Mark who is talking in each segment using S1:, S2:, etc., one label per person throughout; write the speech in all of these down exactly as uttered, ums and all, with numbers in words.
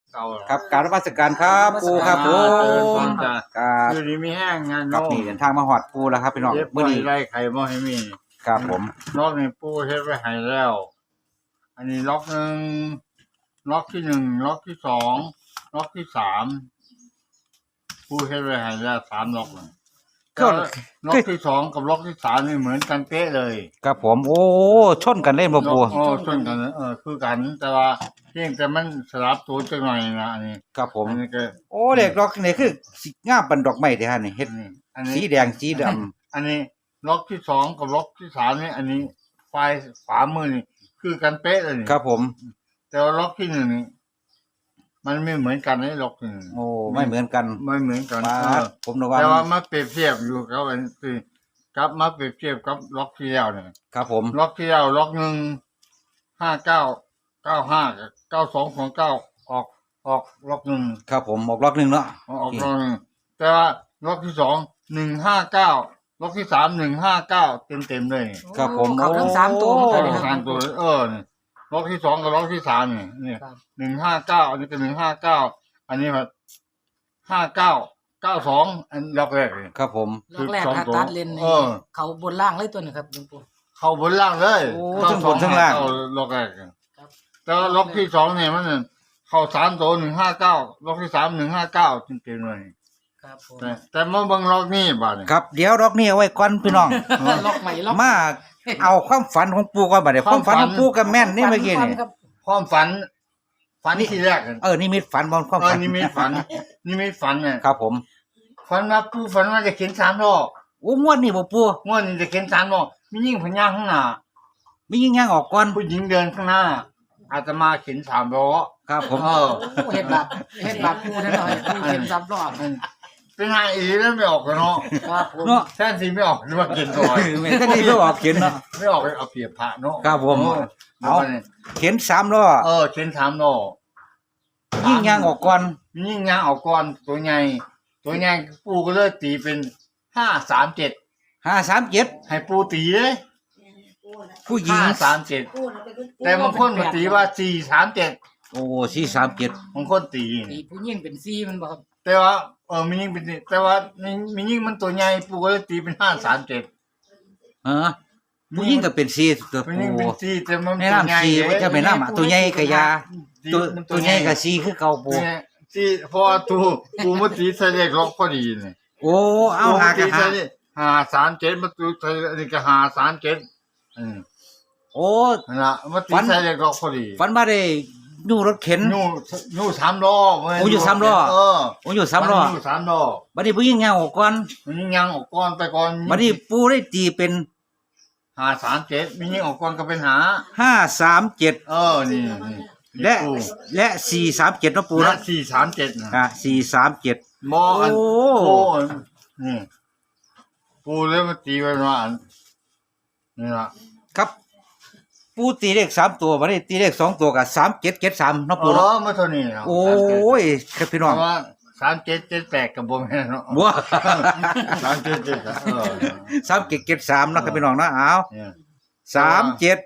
S1: เก่า
S2: ครับกรารนมัสการครับปูครับผ
S1: เดิน
S2: ม
S1: ก่อนจะ
S2: ครับ
S1: อยู่นี่มีแห้งงาน
S2: กับ
S1: โน่
S2: นี่เดินทางมาหอดปูแล้วครับพี่น้อง
S1: เย็บ
S2: มื้อ
S1: ไว้
S2: นี้
S1: ไล่ไข่บ่ให้มี
S2: ครับผม
S1: ล็อกนี่ปูเฮ็ดไว้ให้แล้ว อันนี้ล็อกหนึ่งล็อกที่หนึ่งล็อกที่สองล็อกที่สามปูเฮ็ดไว้ให้แล้วสามล็อกเลย
S2: ก็
S1: ล็อกที่สองกับล็อกที่สามนี่เหมือนกันเป๊ะเลย
S2: ครับผมโอ้ชนกันเล่นบ่ปู
S1: โอ้ชนกันเออคือกัน แต่ว่าเพียงแต่มันสลับตัวจังหน่อยนะอันนี้
S2: ครับผม
S1: อันนี้ก็
S2: โอ้เด็กดอกนี่คือสิงามปันดอกไม้เด้อฮะนี่เฮ็ด
S1: อันนี้อันนี้
S2: สีแดงสีดำ
S1: อันนี้ล็อกที่สองกับล็อกที่สามนี่อันนี้ไฟขวามือนี่คือกันเป๊ะเลยนี่
S2: ครับผม
S1: แต่ว่าล็อกที่หนึ่งนี่มันไม่เหมือนกันไอ้ล็อกที่หนึ่ง
S2: โอ้ไม่เหมือนกัน
S1: ไม่เหมือนกัน
S2: มา
S1: เออ
S2: ผมนึกว่า
S1: แต่ว่ามาเปรียบเทียบอยู่กับอันที่กับมาเปรียบเทียบกับล็อกที่แล้วเนี่ย
S2: ครับผม
S1: ล็อกที่แล้วล็อกหนึ่งห้าเก้าเก้าห้าเก้าสองสองเก้าออกออกล็อกหนึ่ง
S2: ครับผมออกล็อกหนึงเนาะ
S1: ออกล็อกหนึ่งแต่ว่าล็อกที่สองหนึ่งห้าเก้าล็อกที่สามหนึ่งห้าเก้าเต็มเต็มๆเลยนี่
S2: ครับผม
S3: เขาทั้งสามตัวเหมือน
S1: ก็
S3: กัน
S1: ต้อง
S3: นะค
S1: กา
S3: รั
S1: ร
S3: บ
S1: ตัวเออนี่ล็อกที่สองกับล็อกที่สามนี่นี่
S3: ครับ
S1: หนึ่งห้าเก้าอันนี้ก็หนึ่งห้าเก้าอันนี้แบบห้าเก้าเก้าสองอันล็อกแรกเลย
S2: ครับผม
S3: ล็อกแรก
S1: คือสอง
S3: ถ้า
S1: ตัว
S3: ตัดเลน
S1: เอ
S3: นี่
S1: อ
S3: เขาบนล่างเลยตัวนี้ครับหลวงปู่
S1: เข้าบนล่างเลย
S2: โอ้
S1: เข้า
S2: ทั้งบนทั้งล่าง
S1: เข้ล็อกแรกเลย
S3: ครับ
S1: แต่ว่าล็อกที่สองเนี่ยมันเข้าสามตัวหนึ่งห้าเก้าล็อกที่สามหนึ่งห้าเก้าจริงๆเลย
S3: ครับผม
S1: แต่แต่มาเบิ่งล็อกนี่บ้าดนี่
S2: ครับเดี๋ยวดอกนี้เอาไว้ก่อนพี่น้อง
S3: ล็อกใหม่ล็อก
S2: มาเอาความฝันของปูก่อนบัดนี้ความฝันของปูกับแม่นนี่เมื่อกี้นี่
S3: ครับ
S1: ความฝัน ฝันที่แรกอะ
S2: เออนี่มีฝันบอลความ
S1: เออ
S2: ฝัน
S1: นี่มีฝัน นี่มีฝันเนี่ย
S2: ครับผม
S1: ฝันว่าผู้ฝันว่าจะเขียนสามรอบ
S2: โอ้งวดนี่บ่ปู
S1: งวดนี้จะเขียนสามรอบมียิ่งพญาข้างหน้า
S2: มียิงย่างออกก่อน
S1: ผู้หญิงเดินข้างหน้า อาจจะมาเขียนสามล้อ
S2: ครับผม
S1: เออ
S3: โอ้เห็ดบาปเห็ดบาปกูนั่นหน่อยกูเห็นซับรอบ
S1: เป็นไงอีแล้วไม่ออกกันเนาะ
S3: ครับผม
S2: เนาะ
S1: แท่นสีไม่ออกหรือว่าเขียนซอย
S2: แม่นก็นี่ก็ออกเขียนเนาะ
S1: ไม่ออกเอาเปรียบพระเนาะ
S2: ครับผม
S1: เอ
S2: เอา
S1: า
S2: เขียนสามล้อ
S1: เออเขียนสามล้อ
S2: ยิงย่างออกก่อน
S1: มียิ่งยางออกก่อนตัวใหญ่ตัวใหญ่ปูก็เลยตีเป็นห้าสามเจ็ด
S2: ห้าสามเจ็ด
S1: ให้ปูตีเลย
S2: ผู้หญิง
S1: ห้าสามเจ็ดแต่บางคนมาตีว่าสี่สามเจ็ด
S2: โอ้สี่สามเจ็ด
S1: บางคนตี
S3: ตีผู้ยิ่งเป็นซีมันบอกครับ
S1: แต่ว่าเออมียิ่งเป็นแต่ว่ามีมียิ่งมันตัวใหญ่ปูก็เลยตีเป็นห้าสามเจ็ด
S2: เออผู้หญิงก็เป็นสี่ตัว
S1: มี
S2: ปู
S1: ยิ่งเป็นสี่แต่มัน
S2: แนะ
S1: ตัวให
S2: นำ
S1: ญ่
S2: สี่ว่าจะเป็นน้ำอะตัวใหญ่กับยา
S1: สี่
S2: ตัว
S1: มัน
S2: ตัวใหญ่กับสี่คือเก่าปู
S1: เนี่ยสี่เพราะว่าตูปูมาตีใส่เลขล็อกพอดีเนี่ย
S2: โอ้เอา
S1: ปู
S2: หา
S1: ตี
S2: กันหา
S1: ใส่เลขห้าสามเจ็ดมาตีใส่อันนี้ก็ห้าสามเจ็ดอืม
S2: โอ้
S1: นั่นละมาตี
S2: ฝัน
S1: ใส่เลขล็อกพอดี
S2: ฝันมาได้นู่รถเข็น
S1: นู่นู่สามล้อเว้
S2: โอ้อยู่สามล้อ
S1: เออ
S2: โอ้อยู่สามล้อ
S1: อยู่สามล้อ
S2: บัดนี้ผู้หญิงย่างออกก่อน
S1: มันยิงยังออกก่อนไปก่อน
S2: บัดนี้ปูได้ตีเป็น
S1: หาสามเจ็ดมียิงออกก่อนก็เป็นหา
S2: ห้าสามเจ็ด
S1: เออนี่นี่
S2: และ
S1: ปู
S2: และสี่สามเจ็ดนาะปู
S1: และ
S2: เนาะ
S1: สี่สามเจ็ดนะ
S2: อ่ะสี่สามเจ็ด
S1: มออัน
S2: โอ้
S1: ปูอันนี่ปูเลยมาตีไว้ว่าอันนี่ละ
S2: ครับ ปูตีเลขสามตัวบัดนี้ตีเลขสองตัวกับสามเจ็ดเจ็ดสามนาะ
S1: เอ
S2: ปูเนาะ
S1: อมาเท่านี้นะ
S2: โอ้ยครับพี่
S1: เพ
S2: น้อง
S1: ราะว่าสามเจ็ดเจ็ดแปดกับบ่แม่นเนาะ
S2: บัว
S1: สามเจ็ดเจ็ดเออ
S2: สามเจ็ดเจ็ดสามเนาะครับพี่น้องเนาะเอา
S1: เนี่ย
S2: สามเจ็ด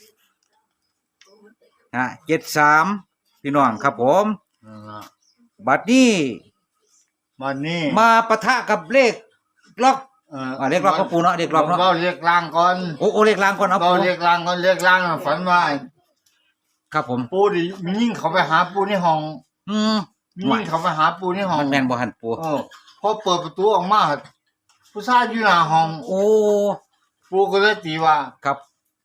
S2: ฮะเจ็ดสามพี่น้องครับผม
S1: นั่นละ
S2: บัดนี้
S1: วันนี้
S2: มาปะทะกับเลขล็อก
S1: เออ
S2: อ่าเลขล็อกก็ปูเนาะเลขล็อกเนาะ
S1: เราเรียกล่างก่อน
S2: โอ้โอ้เลขล่างก่อนเอา
S1: เรา
S2: ปู
S1: เรียกล่างก่อนเรียกล่างน่ะฝันว่า
S2: ครับผม
S1: ปูดิมียิ่งเขาไปหาปูในห้อง
S2: อืม
S1: มียิ่งเขาไปหาปูในห้อง
S2: มันแม่นบ่หันปู
S1: เออพอเปิดประตูออกมาผู้ชายอยู่หน้าห้อง
S2: โอ้
S1: ปูก็เลยตีว่า
S2: ครับ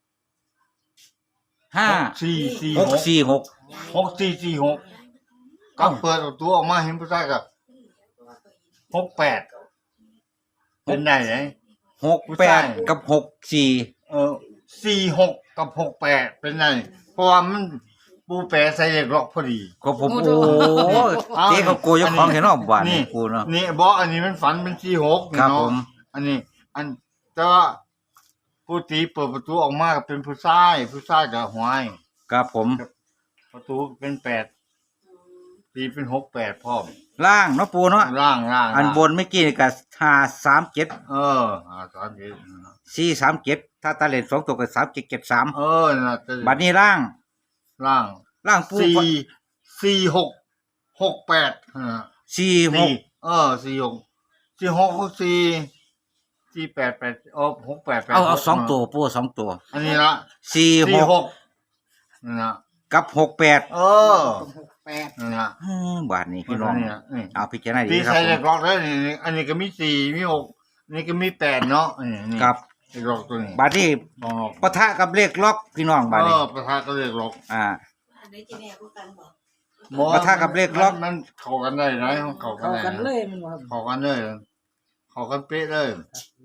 S2: ห้า
S1: สี่สี่
S2: ห
S1: ห
S2: ก
S1: ก
S2: สี่หก
S1: หกสี่สี่หกก็
S2: เอ้า
S1: เปิดประตูออกมาเห็นผู้ชายกับหกแปดเป็นไงไหน
S2: หกแปดกับหกสี่
S1: เออสี่หกกับหกแปดเป็นไงเพราะว่ามันปูแปะใส่เหล็กล็อกพอดี
S2: ก็ผมโอ้เจ๊เขาโกยกของเห็นเนาะบ้าน
S1: นี่
S2: กูเนาะ
S1: นี่บอกอันนี้มันฝันเป็นสี่หก
S2: ครับ
S1: เนาะ
S2: ผม
S1: อันนี้ อันแต่ว่าผู้ตีเปิดประตูออกมาก็เป็นผู้ชายผู้ชายกับหวาย
S2: ครับผม
S1: ประตูเป็นแปดตีเป็นหกแปดพร้อม
S2: ล่างเนาะปูเนาะ
S1: ร่างร่าง
S2: อันบนเมื่อกี้นี่ก็ห้าสามเจ็ด
S1: เอออ่าสามเจ็ด
S2: สี่สามเจ็ดถ้าตาเล่นสองตัวก็สามเจ็ดเจ็ดสาม
S1: เออน่ะจะ
S2: บัดนี้ล่าง
S1: ร่าง
S2: ล่างปู
S1: สี่สี่หกหกแปดอ่า
S2: สี่ห
S1: สี่
S2: ก
S1: เออสี่หกสี่หกหกสี่สี่แปดแปดเออหกแปดแปด
S2: เอาเอา
S1: หก
S2: สองตัวปูสองตัว
S1: อันนี้ละ
S2: สี่ห
S1: สี่
S2: ก
S1: หกนั่นนะ
S2: กับหกแปด
S1: เออ
S3: หกแปด
S1: นั่นนะ
S2: อืมบาทนี้พี่น้อง
S1: นี่นะนี่
S2: เอาพิจารณาดี
S1: พี่
S2: ครับ
S1: ใช้
S2: ผ
S1: เล็
S2: ม
S1: กล็อกแล้วนี่นี่อันนี้ก็มีสี่มีหกอันนี้ก็มีแปดเนาะนี่นี่
S2: ครับ
S1: เล็กล็อกตัวนี้
S2: บาทนี้
S1: ลองล็อก
S2: ปะทะกับเลขล็อกพี่น้องบาท
S1: เอ
S2: นี้
S1: อประธานก็เล็กล็อก
S2: อ่า
S4: อันนี้จะแม่พูดกันบอก
S1: หมอ
S2: ปะทะกับเลขล็อก
S1: มันมันเข้ากันได้ไหมเข้ากัน
S3: เข้า
S1: ได้
S3: กัน
S1: นะ
S3: เลยมันว่า
S1: เข้ากันเลยเข้ากันเป๊ะเลย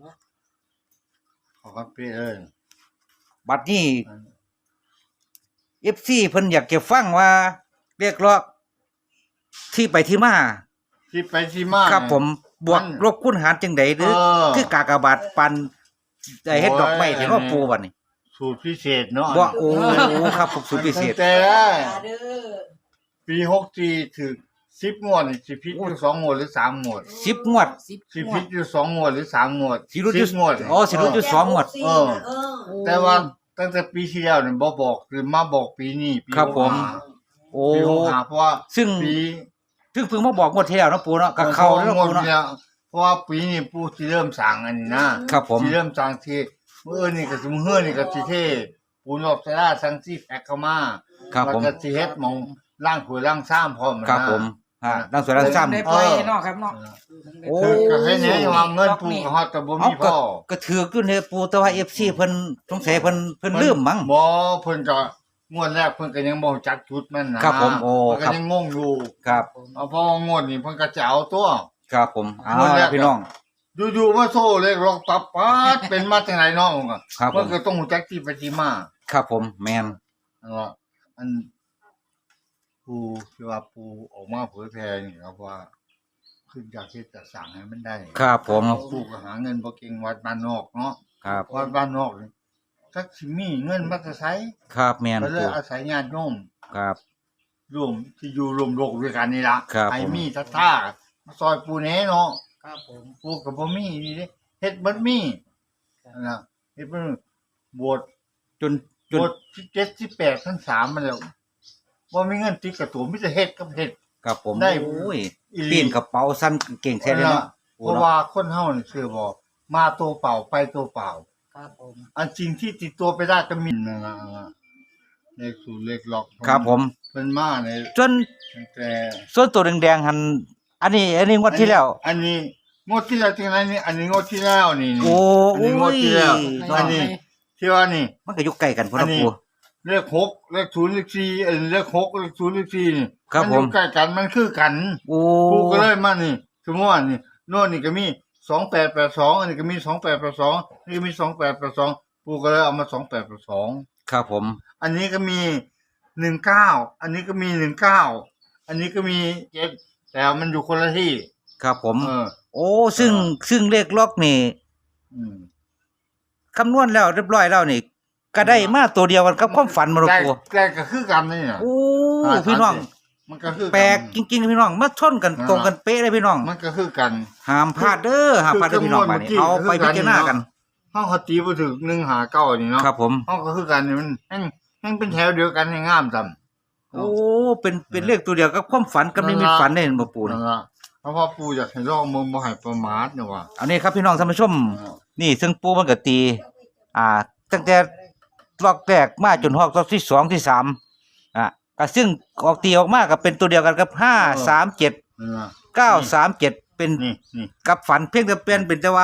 S1: เข้ากันเป๊ะเลย
S2: บัดนี้ เอฟซีเพิ่นอยากจะฟังว่าเรียกร้องที่ไปที่มา
S1: ที่ไปที่มา
S2: ครับผมบวก
S1: มัน
S2: ลบคูณหารจังไดหรือ
S1: เออ
S2: คือกากบาทปันได้เฮ็ดดอกไม้ที่ว่าปูบัดนี้
S1: สูตรพิเศษเนาะ
S2: บ่โอ้ครับผมสุดพิเศษ
S1: แต่
S4: เด้อ
S1: ปีหกสี่ถึงสิบงวดนี่สิพิษอยู่สองงวดหรือสามงวด
S2: สิบงวด
S3: สิบ
S1: สิ
S3: งว
S1: พิ
S3: ด
S1: ษอยู่สองงวดหรือสามงวด
S2: สิรุดอยู่
S1: สิบงวด
S2: อ๋อสิรุดอยู่ สองหมวด
S1: เออ
S4: เออ
S1: แต่ว่าตั้งแต่ปีที่แล้วเนี่ยบ่บอกคือมาบอกปีนี้ปี
S2: ครับผม
S1: หกห้า
S2: โอ้
S1: ปีหกห้าเพราะว่า
S2: ซึ่ง
S1: ปี
S2: ถึงเพิ่งมาบอกงวดที่แล้วเนาะปูเนาะกับเขาเนาะ
S1: งวด
S2: ปูเนาะ
S1: ที่แล้วเพราะว่าปีนี้ปูที่เริ่มสั่งอันนี้นะครับ
S2: ผม
S1: ที่เริ่มสั่งที่เมื่อนี่ก็สิมื้อเฮือนี่ก็สิเทปูนอบสลาสั่งที่แพ็คเข้ามา
S2: ครับ
S1: แล้ว
S2: ผม
S1: ก็สิเฮ็ดหมองล่างถ้วยล่างซ้ำพร้อมนะครับ
S2: ผมอ่าดังสวยดังซ้ำ
S3: ได้ปล่อยเนาะครับเนาะ
S2: โอ้
S1: คือก็ให้แน่ว่าเงินปูก็ฮอดแต่บ่
S2: เอา
S1: มี
S2: ก็
S1: พ่อ
S2: ก็ถือขึ้นเด้ปูแต่ว่า เอฟ ซี เพิ่นสงสัยเพิ่นเพิ่นลืมมั้ง
S1: บ่เพิ่นก็งวดแรกเพิ่นก็ยังบ่รู้จักจุดมันนะครับ
S2: ผมโอ้
S1: เพิ่น
S2: ครั
S1: ก็
S2: บ
S1: ยังงงอยู่
S2: ครับ
S1: เอาพองวดนี้เพิ่นก็จะเอาตัว
S2: ครับผมเอา
S1: งวดแรก
S2: พี่น้อง
S1: อยู่ๆมาโซ่เลขล็อกปับปัดเป็นมาจากไหนน้องอ่ะ
S2: ครับผม
S1: เพิ่นก็ต้องรู้จักที่ไปที่มา
S2: ครับผมแมน
S1: อันว่าอันปูที่ว่าปูออกมาเผยแพร่นี่ครับว่าคืออยากที่จะสั่งให้มันได้
S2: ครับผม
S1: ปูก็หาเงินบ่เก่งวัดบ้านนอกเนาะ
S2: ครับ
S1: วัดบ้านนอกนี่จักสิมีเงินมาจะใช้
S2: ครับแมน
S1: ก็เลย
S2: ปู
S1: อาศัยญาติโยม
S2: ครับ
S1: รวมที่อยู่รวมโลกด้วยกันนี่ล่ะ
S2: ครับ
S1: ไอ้
S2: ผม
S1: มีทัท่ามาซอยปูแหน่เนาะ
S3: ครับผม
S1: ปูก็บ่มีนี่เด้เฮ็ดบ่มีนั่นน่ะเฮ็ดบ่บวช
S2: จนจ
S1: บ
S2: น
S1: วชที่เจ็ดที่แปดทั้งสามมาแล้วบ่มีเงินติดกับตัวมีแต่เฮ็ดกับเฮ็ด
S2: ครับผม
S1: ได้
S2: โอ้ย
S1: อีหลี
S2: ปีนกระเป๋าสั้นเก่งแท้เลยเนาะ
S1: เพราะว่าคนเฮานี่คือบ่มาตัวเปล่าไปตัวเปล่า
S3: ครับผม
S1: อันจริงที่ติดตัวไปได้ก็มีนั่นน่ะเลขศูนย์เลขล็อก
S2: ครับผม
S1: เพิ่นมาใน
S2: จน
S1: ตั้งแต่
S2: ส่วนตัวแดงๆหันอันนี้ อันนี้งวดที่แล้ว
S1: อันนี้งวดที่แล้วจริงๆนี่อันนี้งวดที่แล้วนี่
S2: โอ้
S1: อันนี้งวดที่แล้ว
S2: โอ้ย
S1: อันนี้ที่ว่านี่
S2: มันก็อยู่ใกล้กันพุ่น
S1: อั
S2: นะ
S1: นนี้
S2: ปู
S1: เลขหกเลขศูนย์เลขสี่เออเลขหกเลขศูนย์เลขสี่นี่
S2: ครับ
S1: มันอยู่
S2: ผม
S1: ใกล้กันมันคือกัน
S2: โอ้
S1: ปูก็เลยมานี่สมมติว่านี่โน่นนี่ก็มีสองแปดแปดสองอันนี้ก็มีสองแปดแปดสองนี่ก็มีสองแปดแปดสองปูก็เลยเอามาสองแปดแปดสอง
S2: ครับผม
S1: อันนี้ก็มีหนึ่งเก้าอันนี้ก็มีหนึ่งเก้าอันนี้ก็มีเจ็ดแต่มันอยู่คนละที่
S2: ครับผม
S1: เออ
S2: โอ้ซึ่งซึ่งเลขล็อกนี่
S1: อืม
S2: คำนวณแล้วเรียบร้อยแล้วนี่ ก็ได้มาตัวเดียวกันกับความฝันมาลูก
S1: แต่
S2: ปู
S1: แต่ก็คือกันนี่น่ะ
S2: โอ้พี่น้อง
S1: มันก็คือกัน
S2: แปลกจริงๆพี่น้องมาชนกันตรงกันเป๊ะเลยพี่น้อง
S1: มันก็คือกัน
S2: ห้ามพลาดเด้อห้ามพลาดเด้อพี่น้อง
S1: คือ
S2: บาดนี้
S1: คือ
S2: เอาไป
S1: คือ
S2: พิจารณากัน
S1: เฮาเขาตีบ่ถึงหนึ่งหาเก้านี่เนาะ
S2: ครับผม
S1: เฮาก็คือกันนี่มันแห่งแห่งเป็นแถวเดียวกันให้งามซ้ํ
S2: โอ้เป็นเป็นเลขตัวเดียวกับความฝันกับนิมิตฝันได้เห็นบ่ปู
S1: นั่
S2: นี่
S1: นล่ะเพราะว่าปู่อยากให้ลองมึงบ่ให้ประมาทเนี่ยว่า
S2: เอานี่ครับพี่น้องท่านผู้ชม นี่ซึ่งปูมันก็ตี อ่า ตั้งแต่รอบแรกมาจนฮอกรอบที่สองที่สามอ่ะก็ซึ่งออกตีออกมาก็เป็นตัวเดียวกันกับห้าสามเจ็ด
S1: นั่นล่ะ
S2: เก้าสามเจ็ดเป็น
S1: นี่นี่
S2: กับฝันเพียงแต่เปลี่ยนเป็นแต่ว่า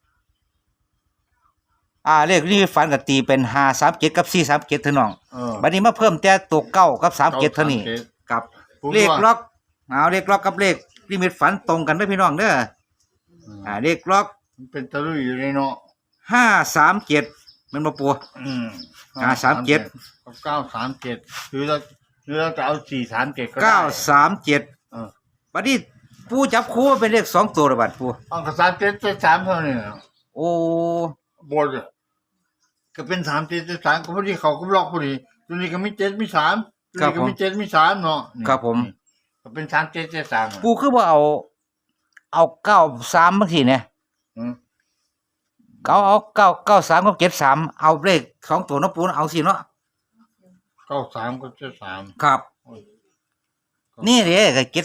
S2: อ่าเลขนี้ฝันกับตีเป็นห้าสามเจ็ดกับสี่สามเจ็ดเท่าน้อง
S1: เออ
S2: บัดนี้มาเพิ่มแต่ตัวเก้ากับสามเจ็ดเท่านี้กับ
S1: ปู่
S2: เลข
S1: ว่า
S2: ล็อกเอาเลขล็อกกับเลขลิมิตฝันตรงกันไหมพี่น้องเด้ออ่าเลขล็อก
S1: มันเป็นตะลุยอยู่ในเนาะ
S2: ห้าสามเจ็ดมันมาปัว
S1: อืม
S2: อ่าสามเจ็ด
S1: กับเก้าสามเจ็ดหรือเราหรือเราจะเอาสี่สามเจ็ดก็ได้
S2: เก้าสามเจ็ด
S1: เออ
S2: บัดนี้ปูจับคู่เป็นเลขสองตัวระบาดปู
S1: เอากับสามเจ็ดเจ็ดสามเท่านี้น่ะ
S2: โอ้
S1: บนอะก็เป็นสามเจ็ดเจ็ดสามก็พอดีเขาก็บล็อกพอดีตัวนี้ก็มีเจ็ดมีสามตัวนี้ก็มีเจ็ดมีสามเนาะนี่
S2: ครับผม
S1: นี่ก็เป็นสามเจ็ดเจ็ดสามอะ
S2: ปูคือว่าเอา เอาเก้าสามบางทีเนี่ย
S1: อืม
S2: เอาเอาเก้าเก้าสามกับเจ็ดสามเอาเลขสองตัวเนาะปูเนาะเอาสิเนาะ
S1: เก้าสามก็เจ็ดสาม
S2: ครับ
S1: โอ้ย
S2: นี่เด้ก็เจ็ด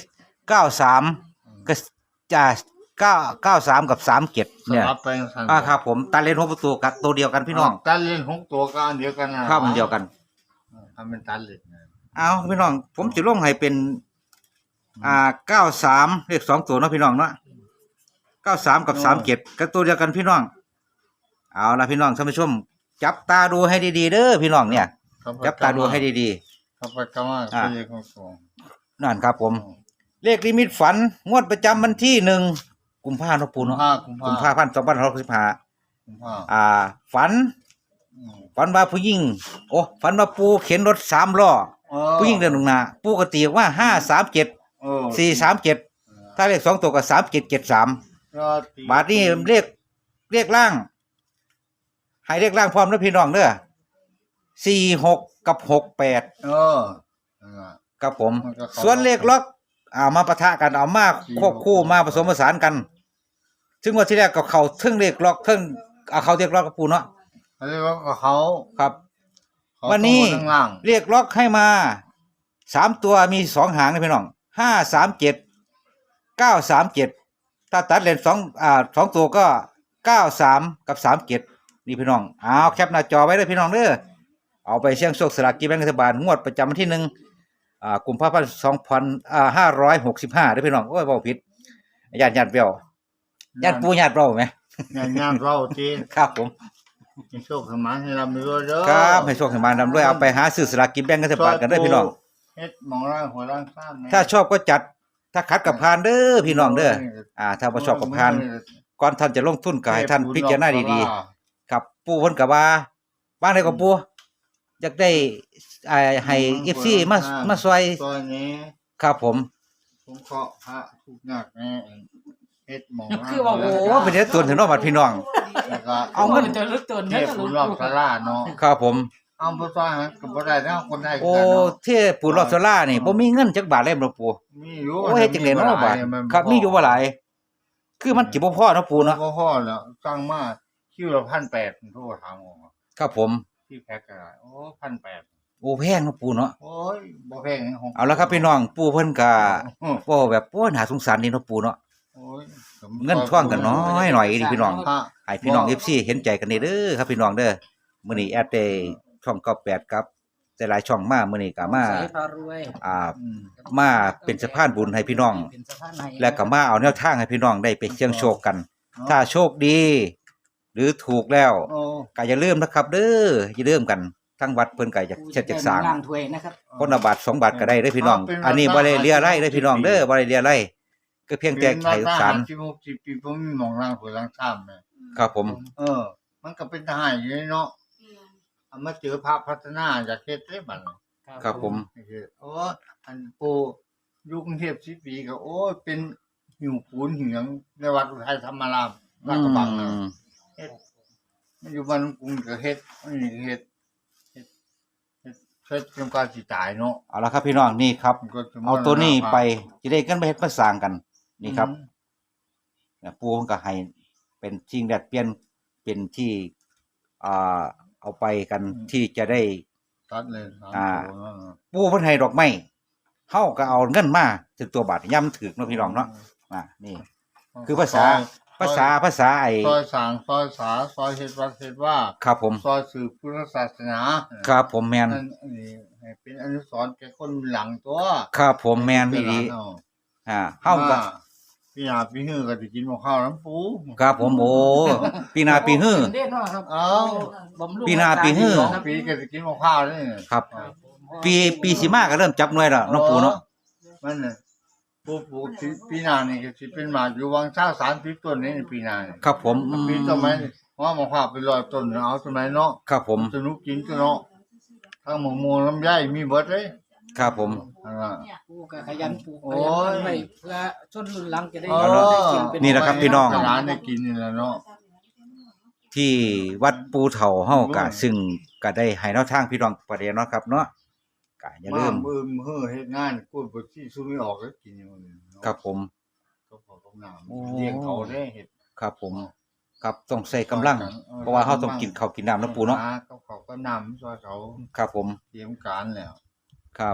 S2: เก้าสามก็จะเก้าเก้าสามกับสามเจ็ด
S1: ส
S2: เนี่ย
S1: ลับไปสั่น
S2: อ่าครับผมตาเลนหกประตูกับตัวเดียวกันพี่น้อง
S1: ตัดเล่นหกตัวก็อันเดียวกันนะครับ
S2: อันเดียวกัน
S1: ทำเป็นตัดเล่นนะ
S2: เอาพี่น้อง ผมจะลงให้เป็น อ่าเก้าสามเลขสองตัวเนาะพี่น้องเนาะเก้าสามกับสามเจ็ดก็ตัวเดียวกันพี่น้อง เอาละพี่น้องท่านผู้ชม จับตาดูให้ดีๆเด้อพี่น้องเนี่ย จับตาดูให้ดี
S1: เข้าไปก็ว่า
S2: อ่า
S1: เป็นเลขของตัว
S2: ๆนั่นครับผม เลขลิมิตฝัน งวดประจำวันที่หนึ่งกุมภาพันธ์เนาะปู
S1: กุม
S2: เนาะ
S1: ภากุม
S2: กุม
S1: ภา
S2: ภาพันธ์สองพันห้าร้อยหกสิบห้า
S1: กุมภา
S2: อ่า ฝัน
S1: อืม
S2: ฝันว่าผู้หญิง โอ้ฝันว่าปูเข็นรถสามล้อ
S1: เออ
S2: ผู้หญิงเดินลงหน้าปูก็ตีว่าห้าสามเจ็ด
S1: เออ
S2: สี่สามเจ็ดถ้าเลขสองตัวก็สามเจ็ดเจ็ดสาม
S1: ก็ตี
S2: บาทนี้เลขเลขล่างให้เลขล่างพร้อมนะพี่น้องเด้อสี่หกกับหกแปด
S1: เออนั่นล่ะ
S2: ครับผม
S1: มันก็เข้า
S2: ส่วนเลขล็อกเอามาปะทะกันเอามาควบคู่มาผสมผสานกัน ซึ่งวันที่แรกก็เขาทึ่งเลขล็อกทึ่งเอาเขาเลขล็อกกับปูเนาะ
S1: เขาเรียกว่าเขา
S2: ครับ
S1: เขา
S2: วันนี้
S1: ต้องมาข้างล่าง
S2: เลขล็อกให้มาสามตัวมีสองหางนะพี่น้องห้าสามเจ็ดเก้าสามเจ็ดถ้าตัดเลนสองอ่าสองตัวก็เก้าสามกับสามเจ็ดนี่พี่น้องเอาแคปหน้าจอไว้เลยพี่น้องเด้อเอาไปเสี่ยงโชคสลากกินแบ่งรัฐบาลงวดประจำวันที่หนึ่งอ่ากุมภาพันธ์สองพันอ่าห้าร้อยหกสิบห้าได้อพี่น้องโอ้ยเบาผิดญาติญาติเบี้ยวญาติปูญาติเราไหม
S1: งานงานเราจีน
S2: ครับผม
S1: มีโชคสมานให้เรามีด้วยเด้อ
S2: ครับให้โชคให้มานำด้วยเอาไปหาซื้อสลากกินแบ่งรัฐบาลกันเด้อพี่น้อง
S1: เฮ็ดหมองร่างหัวร่างข้ามนะ
S2: ถ้าชอบก็จัดถ้าขัดกับพานเด้อพี่น้องเด้ออ่า ถ้าบ่ชอบกับพานก่อนท่านจะลงทุนก็ให้ท่านพิจารณาดีๆครับปู่เพิ่นก็ว่าบ้านใดก็ปู่อยากได้อ่าให้ เอฟ ซี มามาซอย
S1: ซอยนี้
S2: ครับผม
S1: ผมเคาะพระทุกนักแน่เฮ็ดหมองร่าง
S3: คือว่า
S2: โอ้เป็นเดือดตุนถึงเนาะบัดพี่น้อง
S1: แล้วก็
S2: เอาเงิน
S3: จะลึกเกิน
S1: เท
S3: เนี่ย
S1: พผู้รอบสลาเนาะ
S2: ครับผม
S1: เอาบ่ซอยให้ก็บ่ได้เนาะคนได้
S2: โอ้
S1: กันเนาะ
S2: เทพปู่รอดสลานี่บ่มีเงินจักบาทเลยบ่ปู่
S1: มีอยู่
S2: โอ้เฮ็ดจังได๋เนาะบาด
S1: มัน
S2: ครับมีอยู่บ่หลายคือมันสิบ่พอเนาะปู่เนาะ
S1: บ่พอแล้วสั่งมาคิวละพันแปดผมโทรถามว่า
S2: ครับผม
S1: ที่แพ็คก็ได้โอ้พันแปด
S2: โอ้แพงเนาะปู่เนาะ
S1: โอ้ยบ่แพงของ
S2: เอาละครับพี่น้องปู่เพิ่นก็
S1: อืม
S2: เว้าแบบโอ้น่าสงสารนี่เนาะปู่เนาะ
S1: โอ้ย
S2: เงินท่วงกันน้อยหน่อยดิพี่น้อง
S1: พระ
S2: ให้พี่น้อง เอฟ ซี เห็นใจกันนี่เด้อครับพี่น้องเด้อมื้อนี้แอดได้ช่องเก้าแปดครับแต่หลายช่องมามื้อนี้ก็มา
S3: ใส่พารวย
S2: อ่า
S1: อืม
S2: มาเป็นสะพานบุญให้พี่น้อง
S3: เป็นสะพานให้
S2: และก็มาเอาแนวทางให้พี่น้องได้ไปเสี่ยงโชคกัน ถ้าโชคดี หรือถูกแล้ว
S1: โอ้
S2: ก็อย่าลืมนะครับ เด้ออย่าลืมกันทั้งวัดเพิ่นก็อยากเช็ดจักสร้าง
S3: ล่างถ้วยนะครับ
S2: คนละบาทสองบาทก็ได้เด้อพี่น้อง อันนี้บ่ได้เลียไร่เด้อพี่น้องเด้อบ่ได้เลียไร่ก็เพียงแต่ไขสาร
S1: สิบหกสิบปีผมมีหมองร่างหัวร่างข้ามแม่
S2: ครับผม
S1: เออ มันก็เป็นทหารอยู่เนาะเอามาเจอพระพัฒนาจากเทศได้บัดนี้
S2: ครับผม
S1: โอ้อันปูอยุกรุงเทพสิบปีก็โอ้ยเป็นหิวปูนหิวหยังในวัดอุทัยธรรมารามลาดกระบังนะ
S2: อืม
S1: เฮ็ดมันอยู่บ้านกรุงก็เฮ็ดอันนี้เฮ็ดเฮ็ดเฮ็ดเฮ็ดจนกว่าสิตายเนาะ
S2: เอาละครับพี่น้องนี่ครับ
S1: มันก็จะ
S2: เอาตัวนี้ไปจะได้กันไปเฮ็ดมาสร้างกันนี่ครับ
S1: อืม
S2: เนี่ยปูมันก็ให้เป็นสิ่งแดดเปลี่ยนเป็นที่อ่าเอาไปกันที่จะได้
S1: ตัดเลยสาม
S2: อ่า
S1: ตัวนั่นน่ะ
S2: ปูเพิ่นให้ดอกไม้เฮาก็เอาเงินมาถึงตัวบาทย่ำถึกเนาะพี่น้องเนาะอ่านี่ คือภาษา
S1: ซอย
S2: ภาษาภาษาไอ้
S1: ซอยสางซอยสาซอยเฮ็ดวัดเฮ็ดว่า
S2: ครับผม
S1: ซอยสืบพุทธศาสนา
S2: ครับผมแมน
S1: นั่นอันนี้ให้เป็นอนุสรณ์แก่คนหลังตัว
S2: ครับผมแมนอีดี
S1: เนาะ
S2: อ่าเฮาก็
S1: พี่หาพี่ฮือก็สิกินหม้อข้าวน้ำปู
S2: ครับผมโอ้ปีหนาปีฮื้อ
S3: เด่นเนาะครับ
S1: เอ้า
S3: บำรุง
S2: ปีหน้าปีฮื้อ
S1: สองปีก็สิกินหม้อข้าวนี่
S2: ครับ ปีปีสิมาก็เริ่มจับหน่วยแล้วเน้องปูเนาะ
S1: มันน่ะปูปลูกสิปีหน้านี่ก็สิเป็นหมากอยู่วังชาสามสิบต้นนี่ในปีหน้านี่
S2: ครับผมอืม
S1: ปีต้นไม้นี่ว่าหม้อข้าวเป็นร้อยต้นเอาต้นไม้เนาะ
S2: ครับผม
S1: สนุกกินตัวเนาะทั้งหมูมูลำไยมีเบิดเลย
S2: ครับผม
S1: อันน่ะ
S3: ปลูกก็ขยันปลูก
S1: โอ้
S3: ข
S1: ย
S3: ยันไว้เพื่อชนรุ่นหลังจะได้
S1: เออ
S3: ได้กินเป็น
S2: นี่แหละครับพี่น้อง
S1: ร้านได้กินนี่แหละเนาะ
S2: ที่วัดปูเถาเฮากะซึ่งก็ได้ให้แนวทางพี่น้องประเดี๋ยวเนาะครับเนาะก็อย่าลืม
S1: บ้บึมเฮ้อเฮ็ดงานกูบ่สิสู้ไม่ออกแล้วกินอยู่นี่เนาะ
S2: ครับผม
S1: ก็พอกับน้ำ
S2: โอ้
S1: เลี้ยงเขาได้เฮ็ด
S2: ครับผมครับต้องใส่กำลัง เพราะว่าเฮาต้องกินข้าวกินน้ำนะปูเนาะ
S1: ก็เขาก็น้ำซอยเขา
S2: ครับผม
S1: เตรียมการแล้ว
S2: ครับ
S1: พ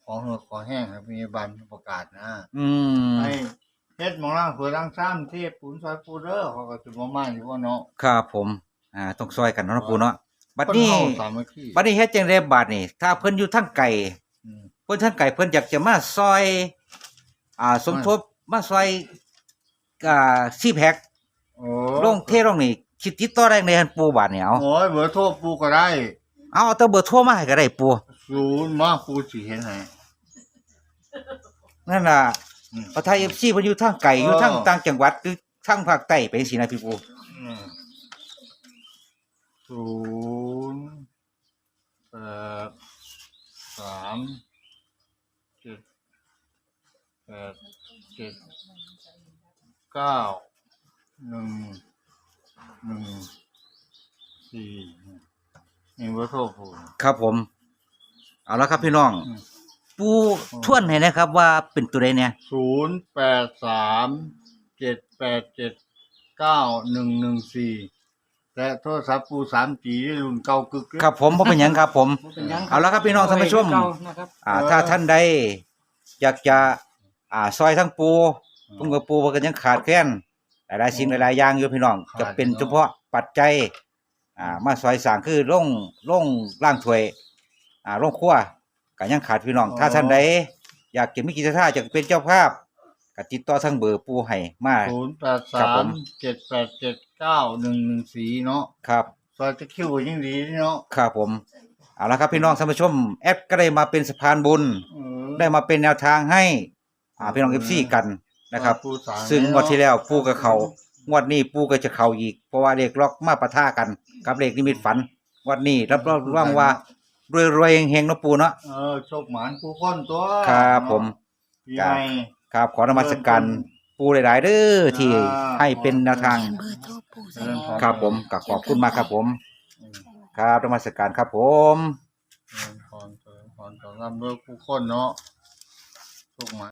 S1: อเหือะขอแห้งครับมีบันประกาศนะ
S2: อืม
S1: ให้เฮ็ดหมองล่างเผื่อล่างซ้ำที่ปูนซอยปูเด้อเขาก็สิบ่มาอยู่ว่าเนาะ
S2: ครับผมอ่าต้องซอยกันเนาะนะปูเนาะบัด
S1: คน
S2: นี้
S1: เฮาสามัคคี
S2: บัดนี้เฮ็ดจังได๋บาดนี้ถ้าเพิ่นอยู่ทางไกล
S1: อืม
S2: เพิ่นทางไกลเพิ่นอยากจะมาซอย อ่า สมทบมาซอยอ่าซีแพ็ค
S1: โอ้
S2: ลงเทลงนี่คิดติดต่อได้ในหั่นปูบาดนี้เอา
S1: โอ้ยเบอร์โทรปูก็ได้
S2: เอาเอาแต่เบอร์โทรมาให้ก็ได้ปู
S1: ศูนย์มาปูสิเห็นให้
S2: นั่นน่ะ
S1: อืม
S2: เอาไทย เอฟ ซี เพิ่นอยู่ทางไกลอยู่
S1: เออ
S2: ทางต่างจังหวัดหรือทางภาคใต้ไปจังซี่นะพี่ปู
S1: อืมศูนย์แปดสามเจ็ดแปดเจ็ดเก้าหนึ่งหนึ่งสี่นี่เบอร์โทรปู
S2: ครับผม เอาละครับพี่น้อง
S1: อืม
S2: ปูทวนให้นะครับว่าเป็นตัวใดเนี่ย
S1: ศูนย์แปดสามเจ็ดแปดเจ็ดเก้าหนึ่งหนึ่งสี่และโทรศัพท์ปูสามจีรุ่นเก่ากึกเลย
S2: ครับผมบ่เป็นหยังครับผม
S3: บ่เป็นหยัง
S2: เอาละครับพี่น้องท่านผู้ชม
S3: เก่านะครับ
S2: อ่าถ้าท่านใดอยากจะอ่าซอยทั้งปูผมกับปูมันก็ยังขาดแคลนหลายๆสิ่งหลายๆอย่างอยู่พี่น้องจะเป็นเฉพาะปัจจัยอ่ามาซอยสร้างคือลงลงล่างถ้วยอ่าลงครัวก็ยังขาดพี่น้อง ถ้าท่านใดอยากจะมีกิจท่าจะเป็นเจ้าภาพก็ติดต่อทางเบอร์ปูให้มา
S1: ศูนย์แปด
S2: ครั
S1: สา
S2: บผม ม
S1: เจ็ดแปดเจ็ดเก้าหนึ่งหนึ่งสี่เนาะ
S2: ครับ
S1: ซอยจะคิวก็ยิ่งดีเนาะ
S2: ครับผมเอาละครับพี่น้องท่านผู้ชมแอดก็ได้มาเป็นสะพานบุญ
S1: เออ
S2: ได้มาเป็นแนวทางให้อ่าพี่น้องเอฟซีกันนะครับ
S1: ปูสาม
S2: ซึ่งงวดที่แล้วปูกับเขางวดนี้ปูก็จะเขาอีก เพราะว่าเลขล็อกมาปะทะกัน กับเลขนิมิตฝันงวดนี้รับรองว่างว่ารวยๆเฮงๆเนาะปูเนาะ
S1: เออโชคหมานผู้คนตัว
S2: ครับผม
S1: ปีใหม่
S2: ครับขอนมัสการปูหลายๆเด้อที่
S1: อ่า
S2: ให้เป็นแนวทาง
S4: เบอร์โทรปู่ใส่
S2: ครับผมก็ขอบคุณมากครับผม
S1: อืม
S2: ครับนมัสการครับผม
S1: เออพรเจริญพรต่อรับด้วยผู้คนเนาะโชคหมาน